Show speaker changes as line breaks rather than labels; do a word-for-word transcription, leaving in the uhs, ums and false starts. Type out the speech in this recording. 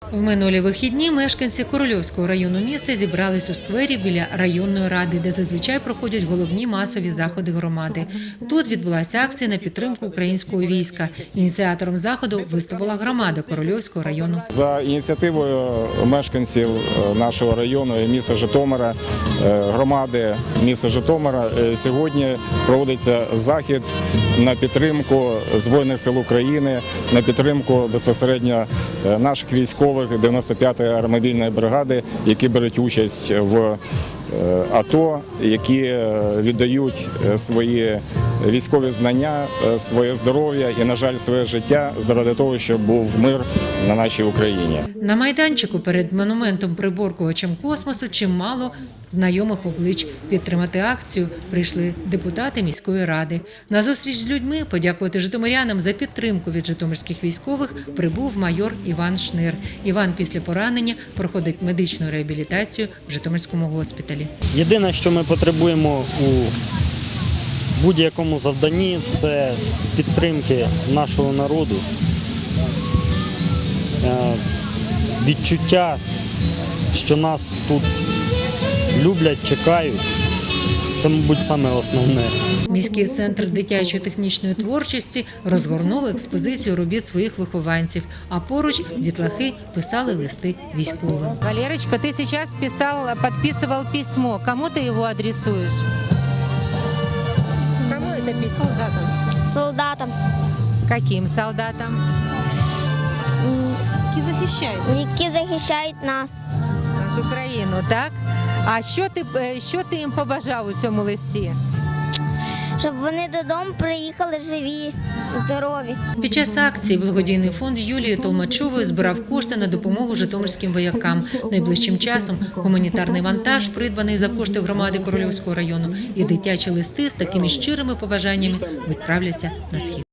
В минулі вихідні мешканці Корольовського району міста зібрались у сквері біля районної ради, де зазвичай проходять головні масові заходи громади. Тут відбулася акція на підтримку українського війська. Ініціатором заходу виступила громада Корольовського району.
За ініціативою мешканців нашого району і міста Житомира, громади міста Житомира, сьогодні проводиться захід на підтримку Збройних сил України, на підтримку безпосередньо наших військових дев'яносто п'ятої аеромобільної бригади, які беруть участь в АТО, які віддають свої військові знання, своє здоров'я і, на жаль, своє життя заради того, щоб був мир на нашій Україні.
На майданчику перед монументом приборкувачем космосу чимало знайомих облич. Підтримати акцію прийшли депутати міської ради. На зустріч з людьми подякувати житомирянам за підтримку від житомирських військових прибув майор Іван Шнир. Іван після поранення проходить медичну реабілітацію в Житомирському госпіталі.
Єдине, що ми потребуємо у будь-якому завданні, це підтримки нашого народу, відчуття, що нас тут люблять, чекають. Це, мабуть, саме основне.
Міський центр дитячої технічної творчості розгорнув експозицію робіт своїх вихованців, а поруч дітлахи писали листи військовим.
Валерочка, ты сейчас писал, подписывал письмо. Кому ты его адресуешь? Кому это письмо? Солдатам.
Солдатам,
Каким солдатам? Які захищають
які захищають нас.
нашу країну, так? А що ти, е, що ти їм побажав у цьому листі?
Щоб вони додому приїхали живі, здорові.
Під час акції благодійний фонд Юлії Толмачової збирав кошти на допомогу житомирським воякам. Найближчим часом гуманітарний вантаж, придбаний за кошти громади Корольовського району, і дитячі листи з такими щирими побажаннями відправляться на схід.